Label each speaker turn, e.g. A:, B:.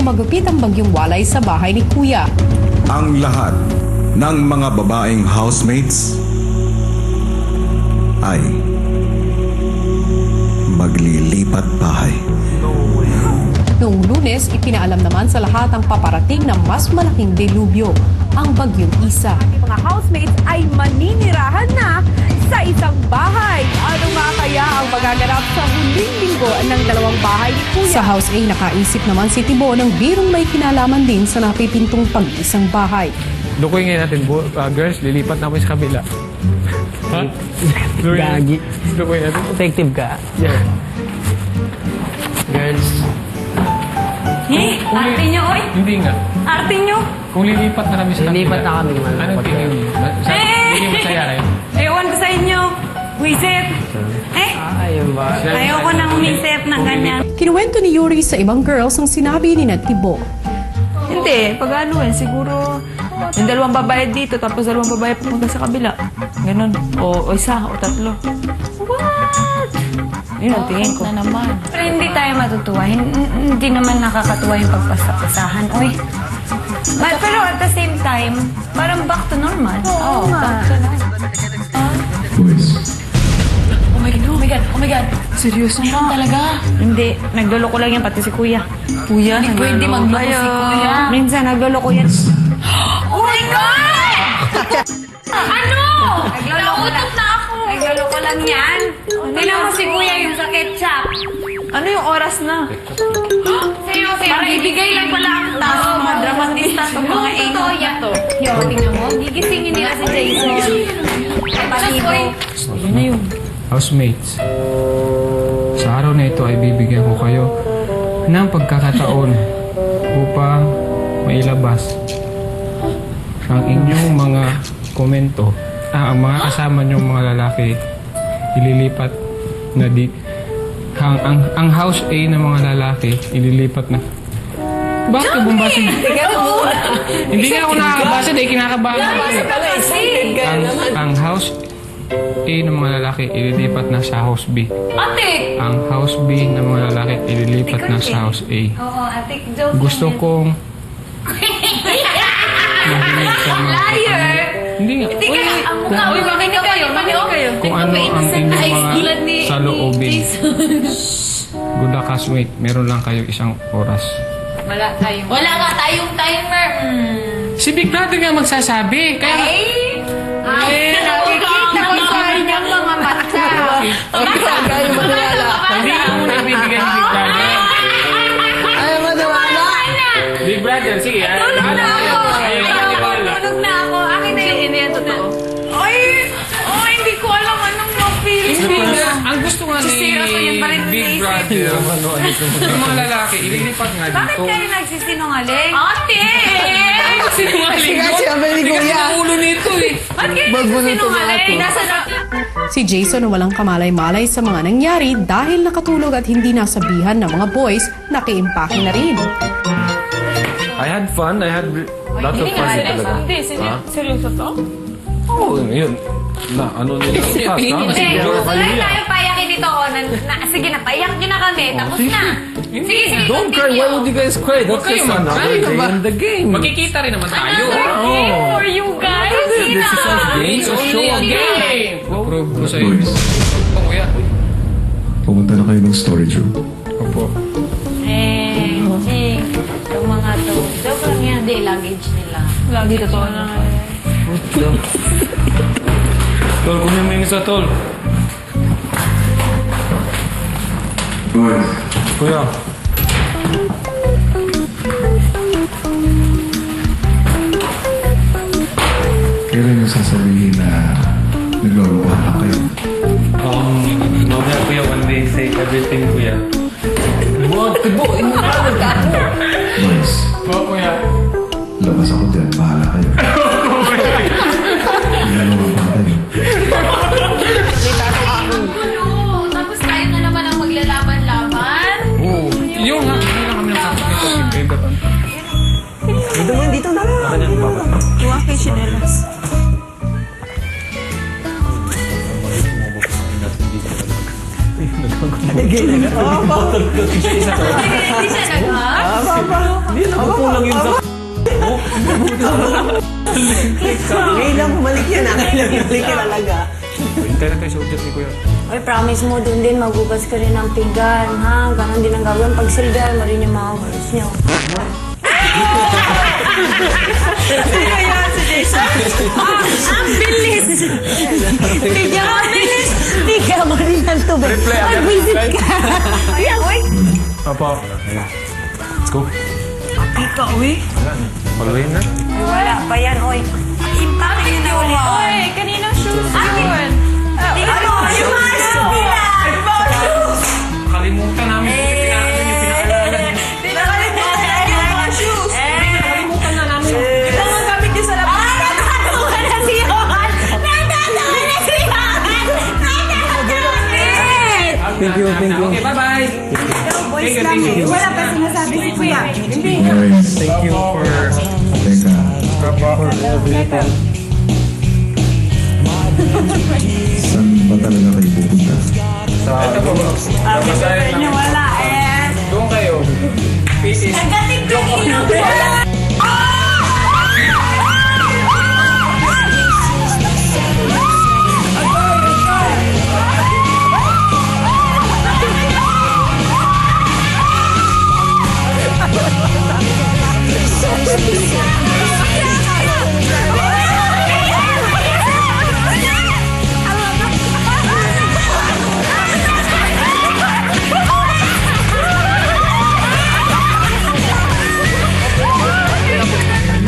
A: magupit ang bagyong walay sa bahay ni Kuya.
B: Ang lahat ng mga babaeng housemates ay maglilipat bahay.
A: Noong Lunes, ipinaalam naman sa lahat ang paparating na mas malaking delubyo, ang bagyong Isa.
C: Mga housemates ay maninirahan na sa isang bahay. Ano nga kaya ang magaganap sa huling linggo ng dalawang bahay ni Kuya?
A: Sa House A, nakaisip naman si Tibo ng birong may kinalaman din sa napipintong pag-isang bahay.
D: Lukoy ngayon natin, girls, lilipat namin sa kabila. Ha?
E: Gagi.
D: Lukoy natin.
E: Effective ka.
D: Yeah.
E: Girls.
C: Arte nyo, oy!
D: Hindi nga.
C: Arte nyo!
D: Kung lilipat na kami sa kabila.
E: Lilipat na kami, man.
D: Anong tingin niyo? Hindi masaya kayo?
C: Ewan ko sa inyo. Wisit!
E: Ayun ba?
C: Ayoko nang umisip ng ganyan.
A: Kinuwento ni Yuri sa ibang girls ang sinabi ni Tibo.
F: Hindi, pag ano siguro yung dalawang babae dito tapos dalawang babae pupunta sa kabila. Ganon. O isa o tatlo. What? Yun ang tingin ko.
G: Na naman. Pero hindi tayo matutuwa. Hindi naman nakakatuwa yung pagpasapasahan. Uy. Pero at the same time, parang back to normal. Oo, back to normal.
F: Oh my God. Oh my God. Seryoso
G: Meron talaga.
F: Hindi. Nagloloko lang yan pati si Kuya. Kuya?
G: Hindi pwede magloko si Kuya.
F: Minsan nagloloko yan.
G: Oh my God! Ano? Nauutot na ako.
C: Nagloloko lang yan. Tingnan mo si Kuya yung sa ketchup.
F: Ano yung oras na?
C: Seryoso,
G: Para ibigay lang pala ang task.
C: Mga dramatista itong mga angel na to. Yo, tingnan mo. Gigisingin nila si Jason. Palibo.
F: Yun na yun.
D: Housemates, sa araw na ito ay bibigyan ko kayo ng pagkakataon upang mailabas ang inyong mga komento. Ang mga kasama niyong mga lalaki ililipat na ang house A ng mga lalaki ililipat na. Bakit ka bumbasa? Hindi nga ako nakakabasa dahil kinakabahan ako. Ang house A ng mga lalaki ililipat na sa house B.
G: Ate!
D: Ang house B ng mga lalaki ililipat na sa house A.
G: Oo, ate. Joke
D: Gusto
G: lang yan.
D: kong mahinig sa mga
G: Liar!
D: Hindi nga.
G: Hindi ka ang mukha. Uy, makinig kayo.
D: Kung ano ang inyong mga saloobin. Good luck, housemate. Meron lang kayo isang oras.
G: Wala nga tayong timer.
D: Si Big Brother nga magsasabi. Kaya
C: Nakikita ko sa inyong mga mata.
D: hindi ka muna ibibigay ni Big Brother.
E: Ayaw mo nawala?
D: Big Brother, sige.
C: Tulog na ako. Akin na yung yan totoo. Ay, hindi ko alam anong ma-feel.
D: Hindi nga. Ang gusto nga ni
C: Seryoso, yan pa rin
D: Big
C: naisip.
D: Brother, yung mga lalaki, ililipat nga
C: Bakit
D: dito.
C: kayo nagsisinungaling?
G: Ate!
D: Sinungaling
E: Kasi sabi ni
D: Tigas
E: Kuya.
D: ng ulo nito eh.
C: Ba't kayo
E: Ba't
C: nagsisinungaling?
E: nasa
A: Si Jason na walang kamalay-malay sa mga nangyari dahil nakatulog at hindi nasabihan ng mga boys, nakiimpake na rin.
H: I had fun. I had lots of fun talaga.
F: Hindi, seryoso to?
H: Oo, yun. Na, ano nila? Fast, ha? Mas
C: Sige,
H: siguro kayo
C: tuloy
H: yan.
C: tayo payakin dito. Sige na, payak nyo na kami. Tapos na. Sige,
H: Don't cry. Why would you guys cry? That's
D: kayo
H: just another
D: mag-cry,
H: day
D: diba?
H: in the game.
D: Magkikita rin naman tayo.
C: for you guys.
H: This is our game.
D: It's
H: So show
D: only a
H: up.
D: game. Approve ko sa'yo.
B: Boys,
D: Oh, kuya.
B: pumunta na kayo ng storage room.
D: Opo.
G: Yung mga to. Joke lang yan. Hindi, luggage nila.
F: Lagi totoo na.
H: Tol, kunin mo yung isa, Tol.
B: Boys,
H: Kuya.
B: kailan nyo sasabihin na naglolokohan lang kayo?
H: Mamaya, Kuya, when they say everything, Kuya.
B: Boys,
D: Oo, kuya.
B: labas ako dyan. Bahala kayo. Naglolokohan kayo.
G: Tapos tayo na naman ang maglalaban-laban.
D: Oo. Yung nga. Hindi lang kami nakakita.
E: Dito mo, dito na lang.
F: Tuwa kay Chinelas.
G: Hindi siya nag-hug.
E: Ngayon lang bumalik yan, ngayon lang bumalik yan talaga.
H: Hintay na tayo sa udyat ni Kuya.
G: Uy, promise mo doon din, magugas ka rin ng pinggan, ha? Ganon din ang gagawin. Pag silbihan mo rin yung mga words niyo. Ang bilis! Bigyan mo bilis! Bigyan mo rin ng tubig. Mag-visit ka. Ayan, uy!
H: Apa? Let's go.
F: Pati ka, uy.
H: Paluin na.
G: Ay, wala pa yan, uy. Impact yun na ulit.
F: Uy, kaninang shoes yun?
G: Ano? Yung mga shoes!
D: Kalimutan namin kung pinaalan yung pinaalala niyo.
F: Nakalimutan yung mga shoes.
D: Kalimutan na namin.
F: Ito ang gamit niyo sa labas.
G: Natatawa na si Johan! Natatawa na si Johan! Natatawa na!
E: Thank you.
D: Okay, bye-bye. Thank you.
C: Wala pa sinasabi si Kuya.
B: Okay.
H: Thank you for...
B: Teka. Saan ba talaga kayo pupunta?
D: Ito po.
G: Wala eh.
D: Doon kayo. Pieces.
G: Nagating-tingin ako.